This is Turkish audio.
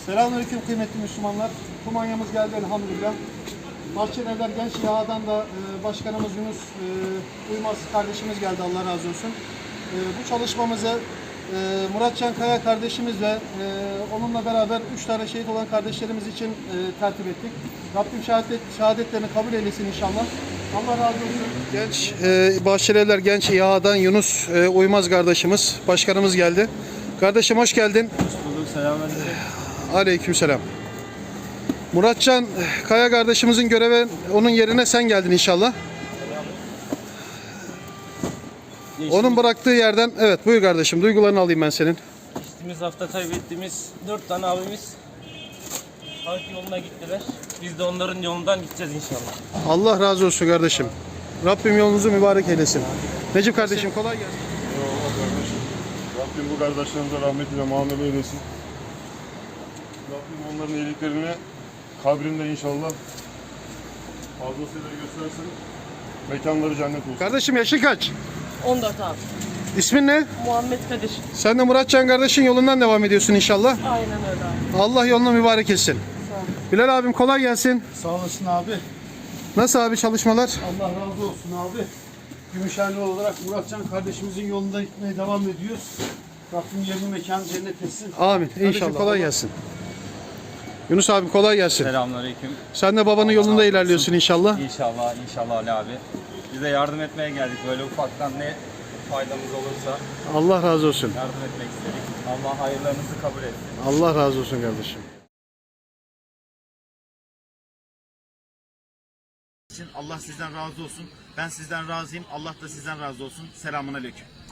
Selamünaleyküm kıymetli Müslümanlar. Kumanyamız geldi elhamdülillah. Bahçelievler Genç İHA'dan da başkanımız Yunus Uymaz kardeşimiz geldi, Allah razı olsun. Bu çalışmamızı Muratcan Kaya kardeşimiz ve onunla beraber 3 tane şehit olan kardeşlerimiz için tertip ettik. Rabbim şehadetlerini kabul eylesin inşallah. Allah razı olsun. Genç Bahçelievler Genç İHA'dan Yunus Uymaz kardeşimiz, başkanımız geldi. Kardeşim hoş geldin. Hoş bulduk, selamünaleyküm. Aleykümselam. Muratcan Kaya kardeşimizin göreve, onun yerine sen geldin inşallah. Onun bıraktığı yerden, evet buyur kardeşim, duygularını alayım ben senin. Geçtiğimiz hafta kaybettiğimiz 4 tane abimiz halk yoluna gittiler. Biz de onların yolundan gideceğiz inşallah. Allah razı olsun kardeşim. Rabbim yolunuzu mübarek eylesin. Necip kardeşim kolay gelsin. Eyvallah kardeşim. Rabbim bu kardeşlerimize rahmetiyle muamele eylesin. Rabbim onların iyiliklerini kabrinde inşallah fazlasıyla göstersin. Mekanları cennet olsun. Kardeşim yaşın kaç? 14 abi. İsmin ne? Muhammed Kadir. Sen de Muratcan kardeşin yolundan devam ediyorsun inşallah. Aynen öyle abi. Allah yolunu mübarek etsin. Sağ ol. Bilal abim kolay gelsin. Sağ olasın abi. Nasıl abi çalışmalar? Allah razı olsun abi. Gümüşhane olarak Muratcan kardeşimizin yolunda gitmeye devam ediyoruz. Rabbim yerini mekanı cennet etsin. Amin. İnşallah. İnşallah. Kolay gelsin. Yunus abi kolay gelsin. Selamünaleyküm. Sen de babanın yolunda ilerliyorsun inşallah. İnşallah, inşallah Ali abi. Bize yardım etmeye geldik. Böyle ufaktan ne faydamız olursa Allah razı olsun. yardım etmek istedik. Allah hayırlarınızı kabul etsin. Allah razı olsun kardeşim. Allah sizden razı olsun. Ben sizden razıyım. Allah da sizden razı olsun. Selamun aleyküm.